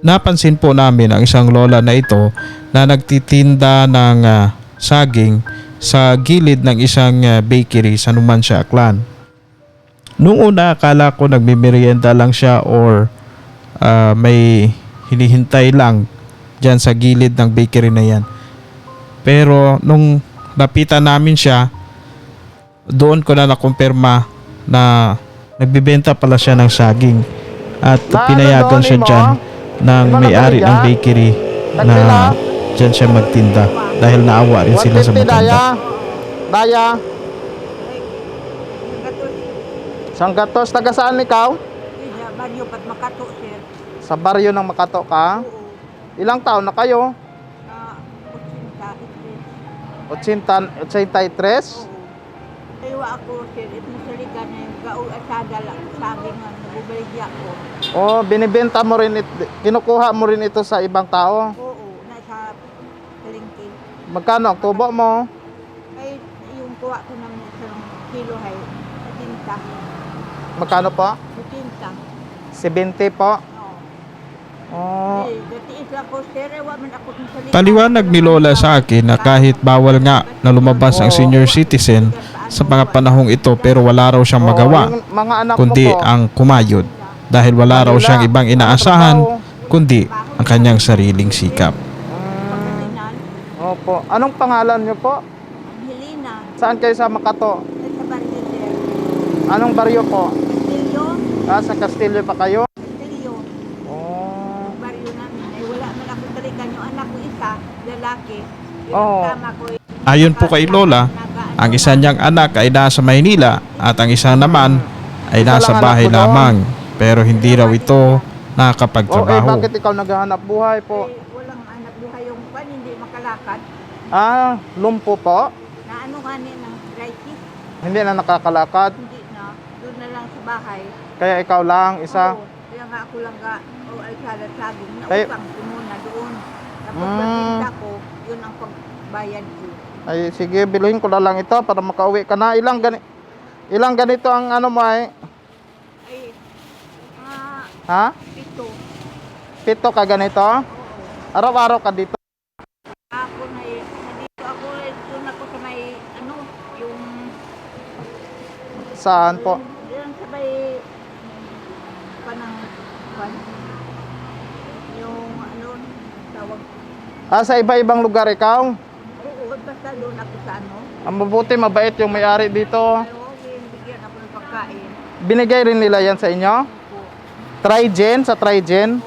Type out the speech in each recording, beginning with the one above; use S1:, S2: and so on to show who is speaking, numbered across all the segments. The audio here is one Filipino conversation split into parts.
S1: napansin po namin ang isang lola na ito na nagtitinda ng saging sa gilid ng isang bakery sa Numancia, Aklan. Noong una akala ko nagmimerienda lang siya or may hinihintay lang dyan sa gilid ng bakery na yan. Pero nung lapitan namin siya, doon ko na nakumpirma na nagbibenta pala siya ng saging at pinayagan siya dyan ng may-ari ng bakery na dyan siya magtinda dahil naawa rin sila sa matanda.
S2: Daya. Sanggatos, taga saan ikaw?
S3: Baryo pat Makato, sir.
S2: Sa baryo ng Makato ka? Ilang taon na kayo? 83?
S3: Kaya ako, sir, itong salika na yung asada lang, sabi nga, nabubaligya ko.
S2: Oh, binibenta mo rin, kinukuha mo rin ito sa ibang tao?
S3: Oo, nasa palengke.
S2: Magkano ang tubo mo?
S3: Ay, yung kuha ko ng isang kilo ay, sa tinta.
S2: Magkano po?
S3: Sa tinta.
S2: 70 po? Oh.
S3: Eh, datiis lang ko, sir, waman ako ng salika.
S1: Paliwanag ni Lola sa akin na kahit bawal nga na lumabas ang senior citizen sa mga panahong ito pero wala raw siyang magawa
S2: Yung mga anak
S1: kundi
S2: mo po,
S1: ang kumayod dahil wala raw siyang ibang inaasahan kundi ang kanyang sariling sikap.
S3: Pagkatinan,
S2: Opo. Anong pangalan niyo po?
S3: Helena,
S2: Saan kayo sa Makato?
S3: ay sa baryo, sir.
S2: Anong baryo po?
S3: Castillo,
S2: Sa Castillo pa kayo?
S3: Castillo.
S2: Oh.
S3: Baryo namin ay wala man ako talikan yung anak ko isa, lalaki. Yung
S2: Oo.
S3: tama ko
S1: Ayon po kay Lola, ang isa niyang anak ay nasa Maynila at ang isa naman ay
S2: Isa
S1: nasa
S2: lang
S1: bahay
S2: anak mo doon?
S1: lamang pero hindi raw ito
S2: Okay,
S1: nakakapagtrabaho.
S2: bakit ikaw naghahanap buhay po?
S3: walang anak buhay yung pan, hindi makalakad.
S2: Lumpo po?
S3: Na ano nga niya ng arthritis,
S2: Hindi na nakakalakad?
S3: hindi na. Doon na lang sa bahay.
S2: Kaya ikaw lang, isa?
S3: Oo, kaya nga ako lang ga, ay salat saging.
S2: Kaya-
S3: Nautang ko muna doon. Tapos
S2: Mm.
S3: pagtinda ko, yun ang pagbayad ko.
S2: Ay, sige, biluhin ko na lang ito para makauwi ka na. Ilang ganito ang ano mo ay?
S3: Ay,
S2: Ha?
S3: pito.
S2: 7 ka ganito?
S3: Oo.
S2: Araw-araw ka dito?
S3: Ako na nandito ako, doon ako sa may, ano, yung,
S2: Saan po?
S3: yung sa may, panang, yung, ano, tawag,
S2: Sa iba-ibang lugar ikaw?
S3: oo, basta doon ako sa ano,
S2: Ang mabuti, mabait yung may-ari dito.
S3: ayaw, bigyan ako ng pagkain.
S2: Binigay rin nila yan sa inyo?
S3: Opo.
S2: Trigen, sa Trigen?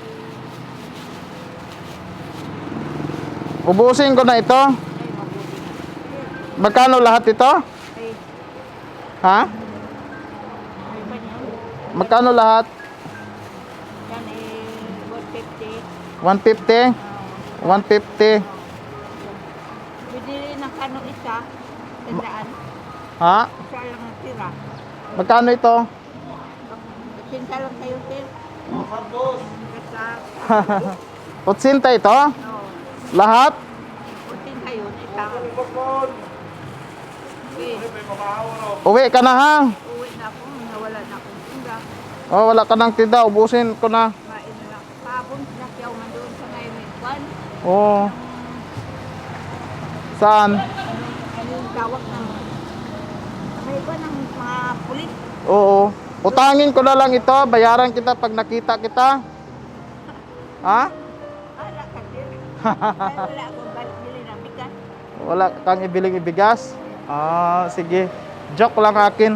S2: Ubusin ko na ito.
S3: Ay, mabuti.
S2: Magkano lahat ito?
S3: Ay,
S2: Ha?
S3: ay ba niyan?
S2: Magkano lahat?
S3: Yan eh, 150.
S2: 150? 150.
S3: Bidili ng kano isa, tandaan.
S2: Ha?
S3: Isa lang ang tira.
S2: Magkano ito?
S3: Sinta lang kayo, sir. Basta,
S2: Utsinta ito?
S3: no,
S2: Lahat?
S3: putin kayo, isa. Okay,
S2: Uwi ka na ha?
S3: uwi na ako, nawala na akong tinda.
S2: Oh, wala ka ng tinda. Ubusin ko na.
S3: Kumain na lang. Pabong sinakyaw man doon sa Ngayon Kwan.
S2: Oh. Saan?
S3: Ano yung tawag ng may ba ng mga pulis?
S2: Oo. Utangin ko na lang ito. Bayaran kita pag nakita kita. Ha?
S3: Wala ka, sir. Ay, wala akong bili ng bigas.
S2: Wala kang ibiling ibigas? Sige. Joke lang akin.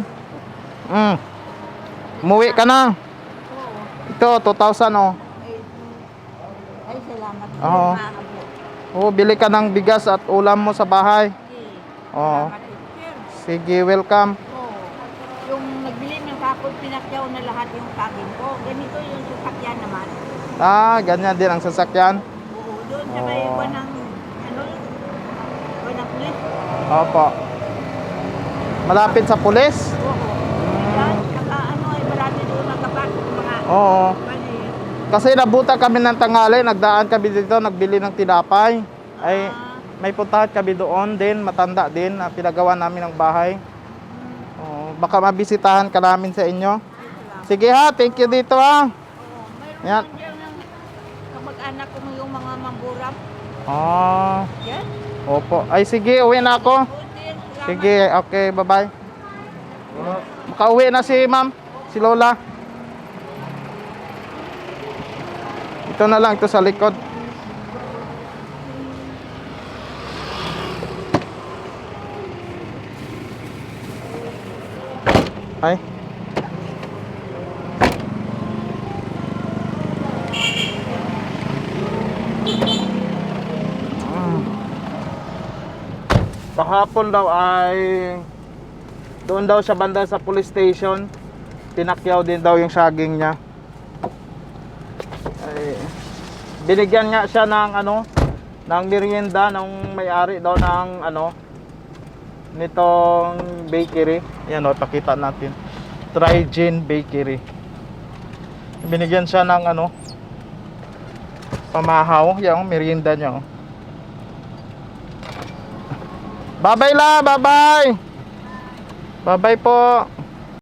S2: Umuwi ka na.
S3: Oo.
S2: Ito, 2,000 oh.
S3: Ay, salamat.
S2: Oo.
S3: Salamat.
S2: Oo, bili ka ng bigas at ulam mo sa bahay.
S3: Okay.
S2: Oo.
S3: Salamat, sir.
S2: Sige, welcome.
S3: Oo. Yung nagbili ng kapon, pinakyaw na lahat yung saging ko. Ganito yung sasakyan naman.
S2: Ganyan din ang sasakyan.
S3: Oo, doon sa may
S2: Oo.
S3: buwan ng, ano, buwan ng pulis.
S2: Opo. Malapit sa pulis?
S3: Oo. Yan, saka ano, ay marami doon nagkapasok mga,
S2: Oo.
S3: ano yun.
S2: Kasi nabuta kami ng tanghali, nagdaan kami dito, nagbili ng tinapay. Ay, may puntahan kami doon din, matanda din, na pinagawa namin ng bahay. Baka mabisitahan ka namin sa inyo. Sige ha, thank you dito ha.
S3: Oo, mayroon
S2: Yan.
S3: lang dyan ng kamag-anak ko yung mga mangguram.
S2: Ah,
S3: Yan.
S2: opo. Ay sige, uwi na ako.
S3: Buti, salamat.
S2: Sige, okay, bye-bye. Makauwi na si ma'am, si Lola. Ito na lang, ito sa likod. Ay. Kahapon daw ay doon daw sa banda sa police station, tinakyaw din daw yung saging niya. Ay, binigyan nga siya ng ano, ng merienda ng may-ari daw ng ano nitong bakery. Yan o, pakita natin. Trygen Bakery. Binigyan siya ng ano, pamahaw, yung merienda niya. Oh. Bye-bye la, bye-bye. Bye-bye po.